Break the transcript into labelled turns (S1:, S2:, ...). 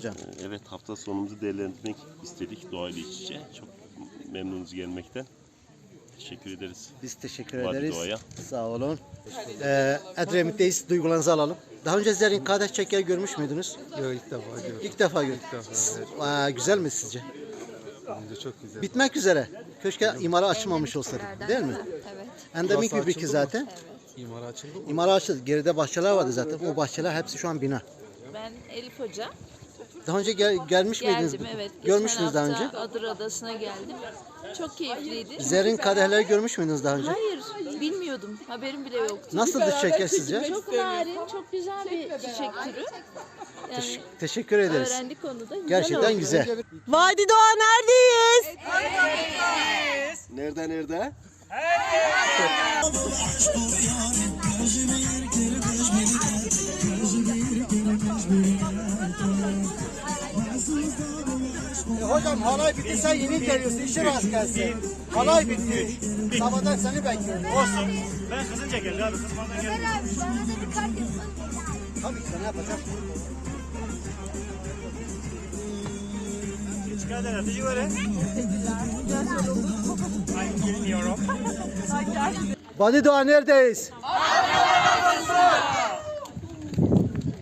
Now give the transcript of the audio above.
S1: Hocam.
S2: Evet, hafta sonumuzu değerlendirmek istedik doğayla iç içe. Çok memnunuz gelmekten. Teşekkür ederiz.
S1: Biz teşekkür
S2: Vadi
S1: ederiz.
S2: Doğa'ya.
S1: Sağ olun. Edremit'teyiz. Duygularınızı alalım. Daha önce Zerrin Kardeş Çeker görmüş müydünüz?
S3: Yok, ilk defa gördüm.
S1: İlk defa gördüm.
S3: İlk defa, evet.
S1: Güzel mi sizce?
S3: Bence çok güzel.
S1: Bitmek üzere. Keşke imara açılmamış olsaydı. Değil mi?
S4: Evet.
S1: Endemik bir
S3: Burası
S1: bitki
S3: açıldı
S1: zaten.
S3: mı? İmara açıldı mı?
S1: İmara açıldı. Geride bahçeler vardı zaten. O bahçeler hepsi şu an bina.
S4: Ben Elif Hoca.
S1: Daha önce gelmiş miydiniz?
S4: Geldim evet.
S1: Görmüşsünüz daha
S4: Geçen
S1: önce.
S4: hafta Adır Adası'na geldim. Çok keyifliydi.
S1: Zerrin kadehleri görmüş müydünüz daha önce?
S4: Hayır, bilmiyordum. Haberim bile yoktu.
S1: Nasıldı şeker sizce?
S4: Çok narin, çok güzel bir çiçek türü. Yani
S1: Teşekkür ederiz.
S4: öğrendik onu da. Güzel
S1: Gerçekten
S4: oldu.
S1: güzel.
S5: Vadi Doğa neredeyiz?
S1: Nerede? Hocam halay bitti, sen yeni geliyorsun, işe rast gelsin. Halay bitti. Sabahdan seni bekliyorum.
S6: Olsun. Ben kızınca geldi abi. Kızmadan geldi.
S1: Tabii ki ne yapacağım?
S6: Çıkar herhalde. İyi öyle. Ay, bilmiyorum.
S1: Vadi Doğa neredeyiz?